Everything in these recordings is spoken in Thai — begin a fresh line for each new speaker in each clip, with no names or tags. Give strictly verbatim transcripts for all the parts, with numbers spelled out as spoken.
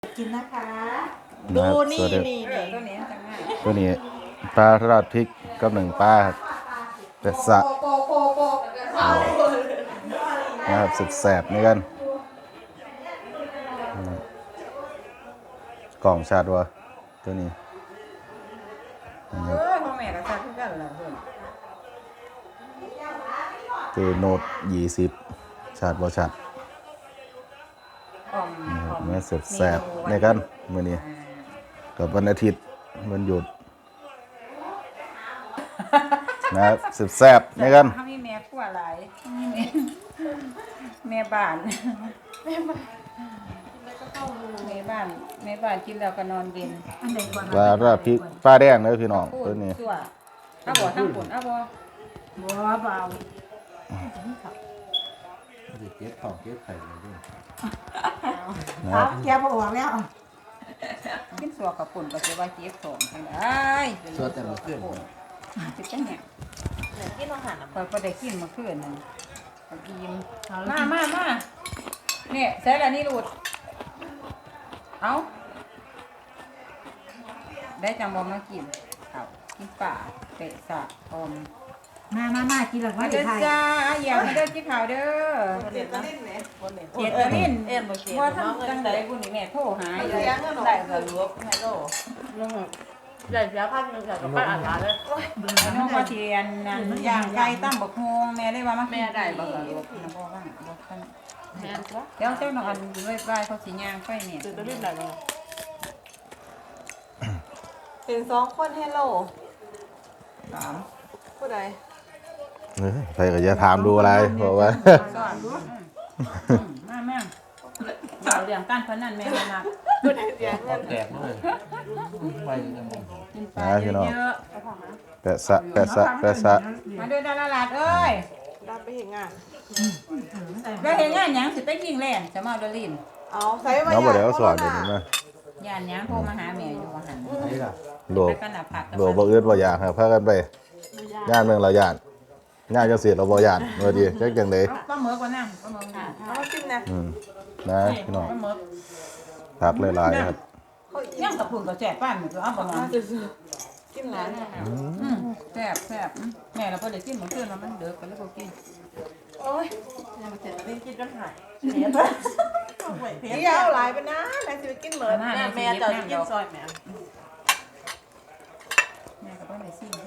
กินนะคะดูนี่นี่นี่ตัวนี้จังง่าย
ตัวนี้ปลาทอดพริกกับหนึ่งปลาเป็ดสะนะครับสุดแสบนี่กันกล่องชาดวะตัวนี้
เออพ่อแม่ก็ชาทุกกันแหละเพื่อน
เจโนดยี่สิบชาดวะชาดเมื่อสุดแสบในกันมื่อนี้กับวันอาทิตย์วันหยุดนะครับสุดแสบในกัน
เขามีแม่ขั้วหลายมีแม่แม่บ้านแม่บ้านแม่บ้านแม่บ้านกินแล้วก็นอนเย็นอันไหนก่อน
ปลาทอดพริกปลาแดงเลยพี่น้องตัวนี้
เอาบ่ทั้งปุ่นเอาบ่บ่เบา
เก็บของเก็บไข่เลยด้วย
ครับแกบ่ออกแล้วกินสัวกับปุ่นก็สิว่าเจ็บท้องจังได๋
สัวแต่ละเพื่อน
สิจังเนี่ยกินอาหารพอบ่ได้กินเมื่อคืนนั่นกินมามามาเนี่ยใส่ละนี่รูดเอาได้จังบ่มากินเอากินป่าเป็ดสะอม
มามามากินแล้วก็
มาเด้อจ้าอย่ามาเด้อกินข้าวเด้อ
เจ็ดตะลิ้นแหม
เจ็ดตะลิ้นเอ็นบ่เจ็ดบ่ทำจังได๋บุญนี่แม่โทรหาอยู่
ได้ก็รวบให้โลได้เสียพันนึงกับป้าอาหารเลย
น้องว่าเทียนนั่นย่างไก่ตั้มบักฮวงแม่ได้ว่ามาแม่ได้บ่ล่ะลูกนะบ่ว่าบ่คันแม่ตัวเดี๋ยวเจ้าน้องอันเลยบายเขาสิย่างไฟเนี่ย
เจ็ดตะลิ้นได้บ่เป็นสองคนให้โล
สาม
ผู้ใด
ใครก็จะถามดูอะไรเพราะว่า
สอนดูมาแม่เราเรื่องการพนันแม่นะ
ผู้ใดเสียเงิน
แตกเลยไปจะมอง
กินปลาเยอะ
แปะสะแปะสะแปะสะ
มาด้วยดาราลาดเอ้ย
ได้ไปเห็นงาน
แล้วเห็นงานยังสิไปยิงแล่นจะมาดลิน
เอาใส่มา
น้องบอกเดี๋ยวสอนเดี๋ยวนี้มา
ย่านยังโทรมาหาแม่อยู่ว่าหัน
นี่ล่ะ
โดดโดดบ่อึดบ่อยากครับพากันไปย่านเมืองเราย่านย่านจังซี่เราบ่ย่านว่าดีจักจังได๋
ปลาหมึกก่อนนะปลาหมึกค่ะ
เอากินนะ
อืมนะพี่น้อง
ปลาหมึก
ผักหลายๆครับ
ยังกับพุ่นก็แซ่บป้านมันก็เอาบ่มา
กินแล้ว
อืมแซ่บแซ่บแม่เราบ่ได้กินมื้อคืนแล้วมันเด้อก็เลยบ่กิน
โอ้ยยังมาเจ็ดตะลิ้นกินจนหายเสียป่ะเดี๋ยวหลายไปนะนายสิกินเหมือนแม่จะกินซอยแม่
แม่ก็บ่ได้ซิม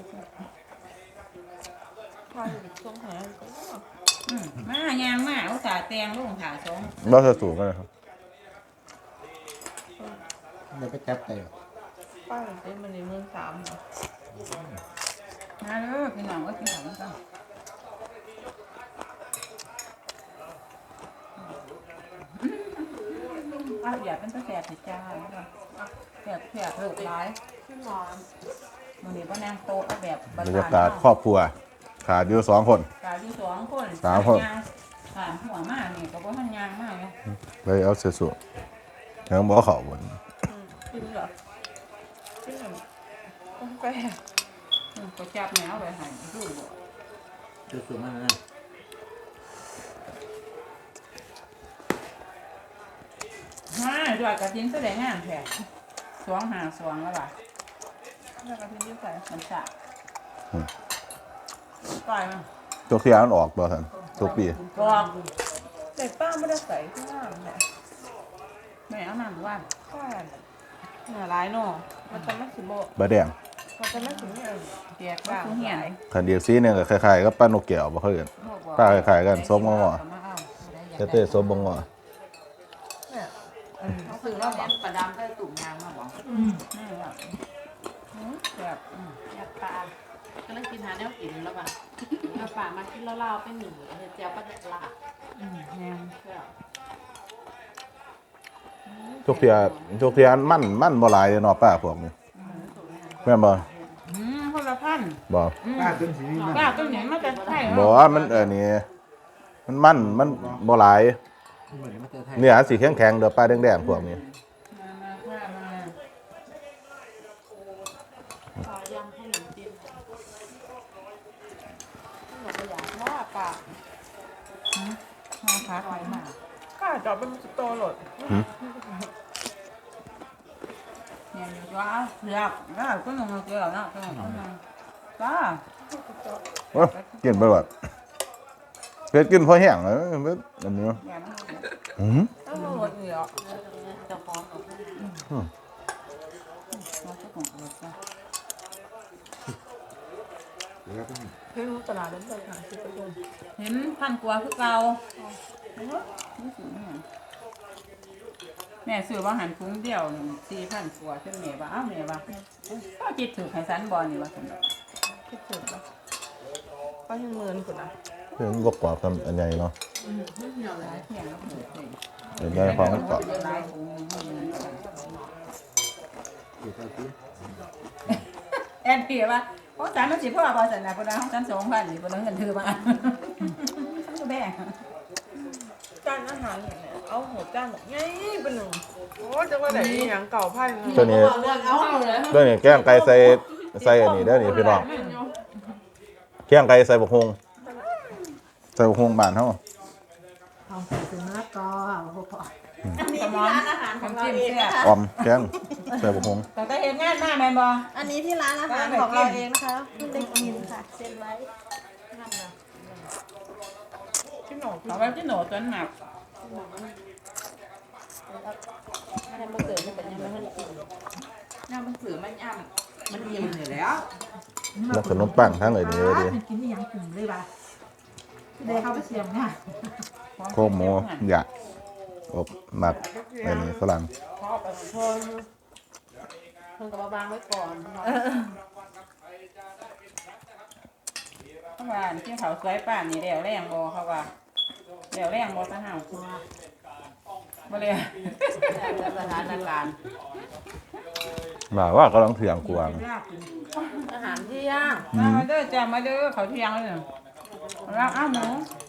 พาอยู่ช่วงหา
อืมมายางมาอุตส่าห์แต่งลงขาสอง
บ่จะสูงกันครับ
เดี๋ยวไปจับไก่
ป้าเป็นมันในเมืองสาม
มาเด้อพี่น้องก็กินข้าวกันอ้าวอย่าเป็นตะแสบสิจ้าแสบแสบเลิกร้าย
ขึ้นนอน
มื้อนี้บ่นั่งโต๊ะเอาแบบ
บรรยากาศครอบครัวขาดอยู่สองคน
ขาดอยู่สองคน
สามคน
ขาหัวมานี่ก็บ่ทันยางมาเลย
เลยเอาเสียสูยังบ่เข้าบ่
กินเหรอกินเหรอต้องไป
ก็จับแนวไปให้ดูบ่
จะสูงมากนะ
ฮ่าด้วยกระทิ้งแสดงงานแท้สวงหาสวงแล้วล่ะ
แล้วก็ทิ้งยืดใส่
มันจะไปมั้ย
ตัวที่อันออกบ่ท่านทุกปี
บอก
แต่ป้าไม่ได้ใส่ข้างล่างแหละ
แม่เอานั่นว่า
ใช่หน่าร้ายเนาะมันจะไม่สิโบ
บะแดง
มันจะไม่ถึงเนี่ย
แจกบ้างเหี่ย
คันเดียวซีนึงก็คล้ายๆกับปลานกแก้วบ่เคยเห็นปลาคล้ายๆกันส้มงอๆเต้ๆส้มบ่งอ
เขาคือเราบอกปลาดำได้ตุ่มยางมาบอกอืมนี่แหละแบบ
อยากปลาก็เลยกินหาแนวกินแล้วป่ะเอาปลามากินแล้วเราไปหนีเจียวปลาเด็ดละ
อืมแนว
ทุกเที่ยทุกเที่ยมันมันบ่หลายเนาะป้าพวกนี้แม่นบ่
อืมคนละพัน
บ่
ป้าต้นสีนี่
ป้าต้นนี้มันจะใช่
บ่มันเออนี่มันมันมันบ่หลายเนี่ยสีแข็งๆเด้อป้าแดงๆพวกนี้
ปลายำขนมจีน
หนูอยากว่าปลา
มาพักไว้มา
ป้าจอดเป็นสโตรหลด
ว้าวเสือกแล้วก็ลงมาเกลือเนาะก็ลงมาจ้า
โอ้ยกินไปแบบเผ็ดกินพอแห้งเลยเผ็ดอันนี้
อย่ามา
อืม
ต้องมาหมดเหลือ
จะฟ้องกับ
เราจะของเราจ้า
เดี๋ยวก็มี
ไม่รู้ตลาดนั้นเลยค่ะสิบกว่าคน
เห็นพันกว่าคือเราแม่ซื้อว่าหันคุ้งเดียวหนึ่งสี่พันกว่าจนแม่ว่าอ้าวแม่ว่าก็จิตถือไข่สันบอลนี่ว่าสำหรับ
คิดถึงปะก็ยังเมินคุณนะ
เพิ่นบกกว่าคำอันใหญ่เนาะ
หลายเที่ยงแล้วเปิดเลย
เดี๋ยวได้ของมันเกาะ
หลายถุงนี่
เดี๋ยวก็คือ
แอนเพียว่าเพราะสารมันสิพ่อพอสันนะคนละห้องชั้นสองพันนี่คนละเงินถือมาก็แบ่ง
จานอาหารเนี่ยเอาหัวจานแบบง่ายเป็นหนึ่งโอ้จะว่าไหนมีอย่างเก่าไพ่เลย
ตัวนี้
เรื่องเอาเลย
ตัวนี้แกงไก่ใส่ใส่อันนี้เด้อนี่พี่น้องแกงไก่ใส่บกฮงใส่บกฮงบ้านเฮา
เอาใส่ถุงมะละกอพอพอ
อันนี้ที่ร้านอาหารของเราเองนะคะ
ออมแกงใส่บกฮง
แต่ก็เห็นงานมาแม่นบอ
อันนี้ที่ร้านอาหารของเราเองนะคะคุณได้กินค่ะเซ็นไว้นั่นนะพี่หนู
เขาว่าที่หนูจนหนัก
ไม่ได้มาเกิดไม่เป็นยังไม่ได้กินน้ำมันถือมันย่ำมันยิ้มอยู่แล้ว
แล้วขนมปังทั้งเลยนี่เลยดิ
มันกินนี่ยังกลุ่มเลยป่ะเดี๋ยวเขาไปเสียงเนี่ย
โคกหมูหยะอบหมักอันนี้ฝรั่ง
พอไปชนเพิ่งกับมาบางไว้ก่อนเนาะ
เขาว่าที่เขาสวยป่านนี่เดี๋ยวแรงบอเขาว่าเดี๋ยวแรงบอตะห่าวบ่เลย
สถานการณ์
มาว่ากำลังเถียงกวาง
ยากกิน
อาหารที่ย่าง
มาเด้อจ้ามาเด้อเขาเที่ยงเลยแล้วอ้าวหมู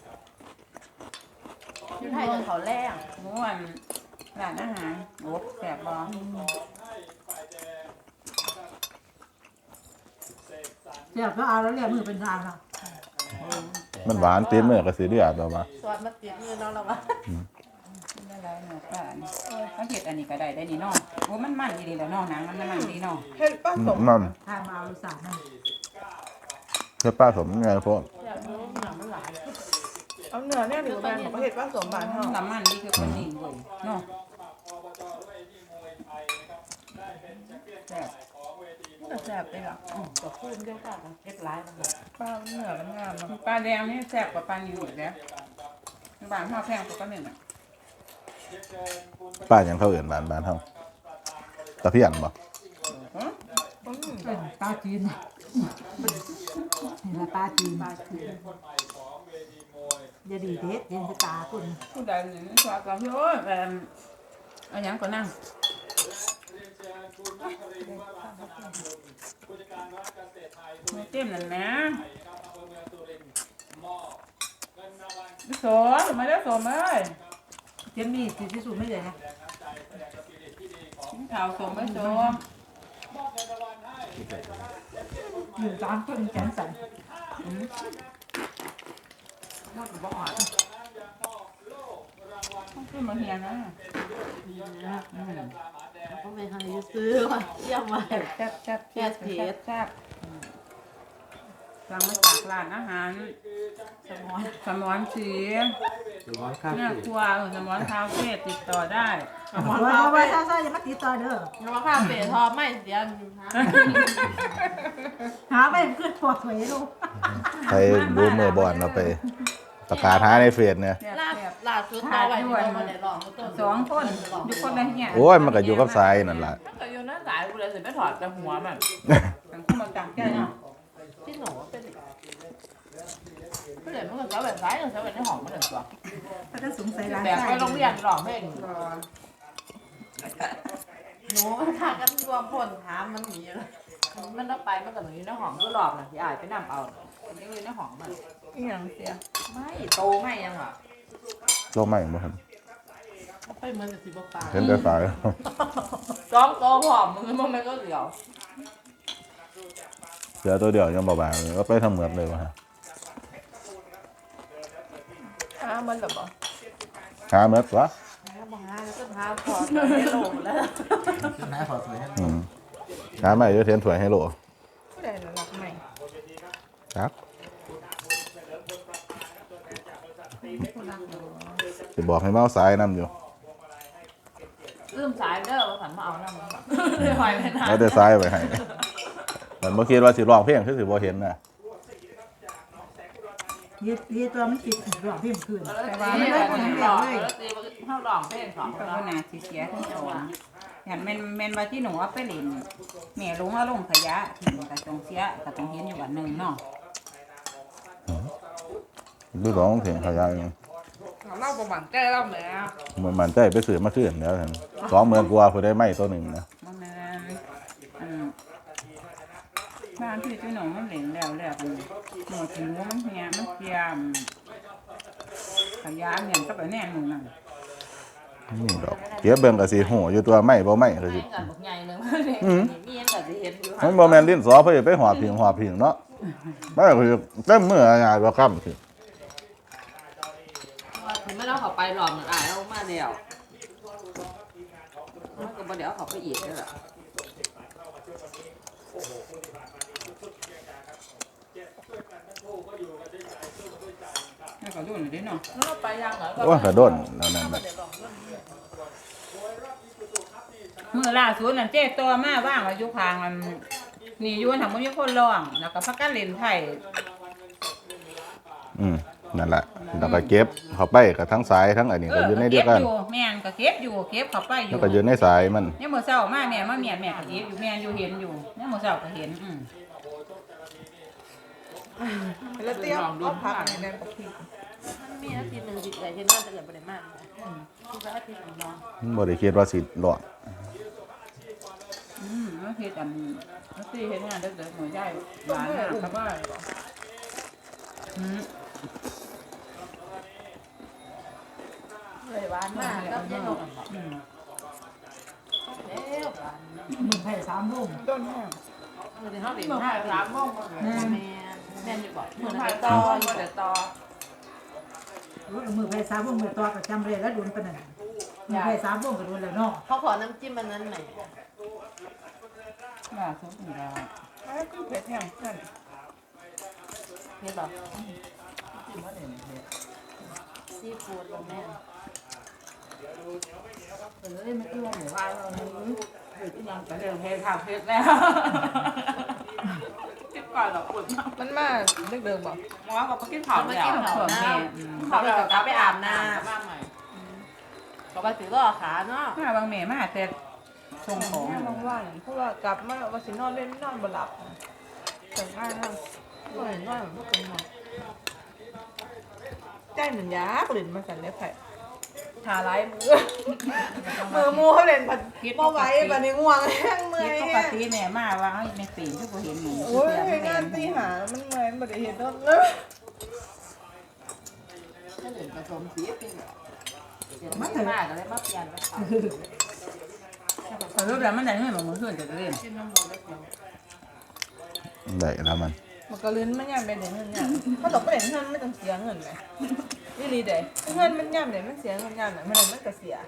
ที่ไทยจะเขาแรง
หมูอันร้านอาหารโอ้แสบบอ
เสียบก็เอาแล้วเรียกมือเป็นทางค่ะ
มันหวานตีนเมื่อกระสีเดือดแบบว่า
สวัสดีมาติดมือน้องเราวะ
ได้ไรเนาะป้านี่เขาเห็ดอันนี้ก็ได้ได้นี่เนาะโอ้มันมันดีแล้วเนาะหนังมันมันดีเนาะ
เห็ดป้าสม
มัน
ทางมาเอาลูกสาวนั่น
เพื่อป้าสมไงพวก
อยากรู้หนังมันหลาย
เอาเนื้อเนี่ยหรือแบนของเห็ดป้าสมบานเท่า
น้ำมันนี่คือคนนิ่งเว้ยเนาะแซ่บ
แต่แซ่บไปหรอ
กับพูดเดียวกันเอ็ดไลน์มันแบบ
ปลาเนื้อมันงามเนาะ
ปลาแดงนี่แซ่บกว่าปลาอยู่อีกแล้วบางข้าวแพงกว่าปลาหนึ่งอ่ะ
ป้ายังเข้าเอื่นบ้านบ้านเฮาตะเพียนบ่
เป็นปลาจีนนี่แหละปลาจีนปลาจีนอย่าดีเด็ดเย็นจะตาคุณ
ผู้ใดหนึ่งชอบกับพี่โอ้ยแบบเอาอย่างก็นั่งเต็มนั่นนะโสมมาแล้วโสมเอ้ย
เจนนี่สีที่สุดไม่เลยนะ
กินข้าวโสมไม่โสม
อยู่ตามคนแขนสั่น
นอกจากบอกว่า
ต้องขึ้นมาเฮียนะ
เขาไปให้ซื้อว่ะเยี่ยมไป
แซ่บแซ่บแซ่บ
แซ่บเผ็
แซ่
ด
บแซ่บสั่งมาจากร้านอาหาร
สมอน
สมอนสี
เดี๋ยวร้อนข้าว
เนี่ยครัวสมอนคาเฟ่ติดต่อได้
สมอน
ว่า
เรา
เอา
ไป
ไว้ซ่าๆอย่ามาติดต่อเด้อ
เรามาข้าวเป๋ทอไม่เสียอยู่ฮะ
หาไปเพื่อนปวดหัวลูก
ไปดูเมื่อบอลเราไปประกาศหาในเฟซเนี่ย
แซ่บ
ลาบ
แซ่บ
ลาบสุดท้ายไว้ที่เรามาในหลองต้น
สองคนอยู่คนละเฮีย
โอ้ยมันก็อยู่กับทรายนั่นล่ะ
มันก็อยู่หน้าสายกูเลยสิไม่ถอดแต่หัวมัน
สังคมมันต่างกันเนาะ
ที่หนูเป็นก็เลยมันก็จะแบบซ้ายกับแบบในห้องมันเหมือนตัว
ถ้าจะสงสัยร้าน
แต่ไปโรงเรียนหลอกเพลง
รอ
หนูมันทางกันรวมพลถามมันหนีเลยมันต้องไปมันกับหนูอยู่ในห้องก็หลอกนะที่อายไปนำเอามันยังอยู่ในห้องมัน
อีหยังเสีย
ไม่โตไม่ยังอ่ะ
โลกใหม่บ่ครับ
ไปเหมือนกับสีฟ้า
เห็นแต่สาย
จ้องโตผอมมึงมันไม่ก็เดียว
เสือตัวเดียวยังเบาๆเลยก็ไปทำเหมือนเลยวะฮะ
อ้ามันเหรอบ่
หาเหมือนวะ
บอกฮะแล้วก็ท้าพอไม่ลงแล้ว
ขึ้นหน้าพอสวยนะ
อืมหาใหม่เดี๋ยวเทียนถวยให้โหล
ผู้ใดหลักใหม่
ครับจะบอกให้เมาสายน้ำอยู่
ลืมสายเด้อว่าสันมาเอาน้ำมันเลยหอยไปนาน
แล้วได้สายไปให้มันเมื่อกี้ว่าสิร้องเพลงคือสิบ่เห็นนะ
เฮ็ดเฮ็ดตัวมันติดรอบเพียงคืน
แต่ว่าไม่ได้คนหลอกแล้วตีเข้าหลอกเพลงสอง
ก็
แล้
บ่
ว
น่าสิเสียทั้งสองอย่างแม่นแม่นว่าที่หนูเอาไปเล่นแม่ลงเอาลงขยะที่ก็ต้องเสียก็ต้องเห็นอยู่วันหนึงเนาะ
ดูร้องเพลงเขายาวอยู่
เล่าประวัติแก้เล่าแม่
มันมันใจไปซื้อมาคืนแล้วท่านสองหมื่นกว่าผู้ได้ไม้ตัวหนึ่งนะ
บ่แม่นอันบ้านที่ที่หนูมันเล่นแล้วแล้วกันหนูถึงมันเหียมันเกียมขยะเนี่ยก็ไปแน่นหนูนั่น
นี่ดอกเก็บเบิ่งก็สิหูอยู่ตัวไม้บ่ไม้ก็สิ
ให้กันบอกใหญ่หนึ่งมีเงินกับสิเห็นอยู่
มันบ่แม่นลิ้นสอเพิ่นไปหอบผิงหอบผิงเนาะมันก็คือเต็มมืองานบ่ค่ำสิ
ถึงไม่เราเขาไปหลอกเหมือนอ่ายเรามาเดียวมันก็บ่เดี๋ยวเขาไปอีกเลยล่ะ
แล้วก็รุ่นนี้เนาะ
เราไปยังเหรอ
โอ้ยกระโดนแล้วนั่นน่ะ
มื้อล่าสุดนั่นเจ๊ตัวมาว่างอายุคางมันนี่อยู่ทางบ่มีคนร้องแล้วก็พักกันเล่นไผ
อืมนั่นแหละแล้วก็เก็บเข้าไปกับทั้งสายทั้งอันนี้ก็อยู่ในเดียวกัน
เก็บอยู่แม่นก็เก็บอยู่เก็บเข้าไปอ
แล้
ยู่
วก็อยู่ในสายมัน
เนี่ยมื้อเช้ามาแม่มาเมียนแม่ก็เก็บอยู่แม่นอยู่เห็นอยู่เนี่ยมื้อเช้าก็เห็นอืม
แล้วเตรียมเอาผักในนั้นกับพริก
มันมีอาทิตย์หนึ่งจิตใจเห็นว่าจะเกิดประเด็นมากคือว่าอาทิตย์หนึ่งนอน
มันบ่ได้คิดว่าสิรอด
อืมมันเฮ็ดอันมันสิเฮ็ดงานเด็กๆหน่อยใหญ่หวานมากครับว่าอืม
เลยหวานมากก็เย็นลง
อืม
เอ๊ะหวาน
มึงไผ่สามโมง
ต้นแห้ง
คือที่เขาดิ่งห้าสามโมงแม่แม่จะบอกเหมือนหายตอเดี๋ยวตอ
มือไผ่สามโมงมือตัวก็จำเลยแล้วโดนปานนั้นมือไผ่สามโมงก็โดนแล้วเนาะ
เขาขอน้ำจิ้มมันนั้นหน่อย
ล่าสุดนี่แล้ว
แล้วก็เผ็ดแห้งเพื่อน
นี่แบบซีฟู้ดแม่เออไม่ต้องหมูว่าเราเฮ้ยที่ยังเป็นเรื่องเพลทางเพชรแล้วคิดก่อนหรอกคุณ
มันมาเด็กเดิมบอก
มอกับกินเผาเนี่ย
ส่วนแม่อืม
เขาเลยกลับไปอาบน้ำบ้างใหม่ก็ไปถือก็ขาเนาะ
มาบางแม่มาแต่ส่งของ
แม่บางวันเพราะว่ากลับมาว่าสินอนเล่นนอนบ่หลับแต่งงานนะบ่เห็นนอนบ่เป็นหมดใจเหมือนยาเล่นมาสั่นเลยไผ่ทาไล่มือมือมูเขาเล่นผัดบ่ไหวบัดนี้ง่วงแห้งเมื่อย
ปก
แห้ง
ติแม่มาว่าให้แม่ปีนทุกคนเห็นหนู
โอ้ยงานตีหามันเมื่อยมันบ่ได้เห็นนอนเลย
ถ้าเหลือผสมสีเป็นแบบมันมากเลยมาเปลี่ยนแล้ว
เออแล้วมันได้เงินบ่มื้อคืนจะเล่น
กินน้ำมันแล้ว
ได้แล้วมัน
มันก็เล่นมันย่ำเป็นเงินเนี่ยเขาตกไปเล่นเงินไม่ต้องเสียเงินไหมนี่ดีเด้เงินมันย่ำเลยมันเสียเงินย่ำไหนมันเลยมันก็เสีย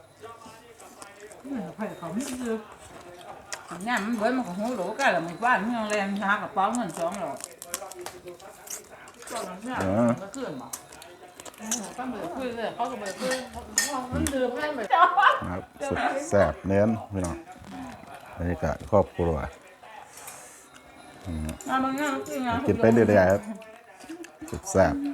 ไผ่เขาไม่ซื้อ
น้ำมันเบิดมันก็หูหรูกันแล้วมันบ้านเมืองแรงหากระเป๋าเงินสองหรอก
ตอนนั้นเนี่ยก็ขึ้นมาก็เหมือนขึ้นเลยเขาก็เหมือนขึ้นมันดื่มได้เหมือน
ครับสุดแซ่บเน้นพี่น้องบรรยากาศครอบครัว
อ่าบางงานคือ
กินไปเรื่อยๆครับสุดแซ่บ